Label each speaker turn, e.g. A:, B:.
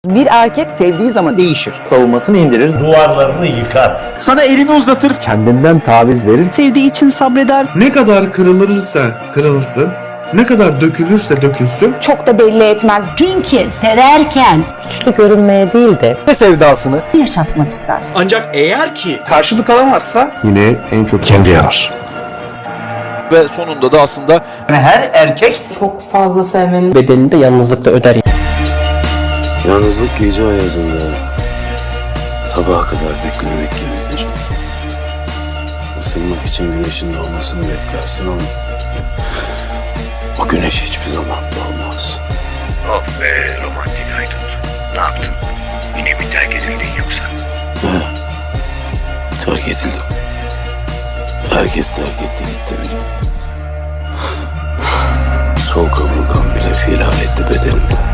A: Bir erkek sevdiği zaman değişir.
B: Savunmasını indirir.
C: Duvarlarını yıkar.
B: Sana elini uzatır. Kendinden taviz verir.
A: Sevdiği için sabreder.
D: Ne kadar kırılırsa kırılsın, ne kadar dökülürse dökülsün,
E: Çok da belli etmez. Çünkü severken güçlü görünmeye değil de
B: Ve sevdasını.
E: yaşatmak ister.
F: Ancak eğer ki karşılık alamazsa
D: yine en çok kendi yarar.
G: Ve sonunda da aslında
B: Her erkek
E: Çok fazla sevmenin
A: Bedelini de yalnızlıkla öder.
H: Yalnızlık gece ayazında sabaha kadar beklemek gibidir. Isınmak için güneşin doğmasını beklersin ama o güneş hiçbir zaman doğmaz.
C: Of be romantik haydut. Ne yaptın? Yine mi terk edildin yoksa?
H: Terk edildim. Herkes terk etti gitti beni. Sol kaburgam bile firar etti bedenimden.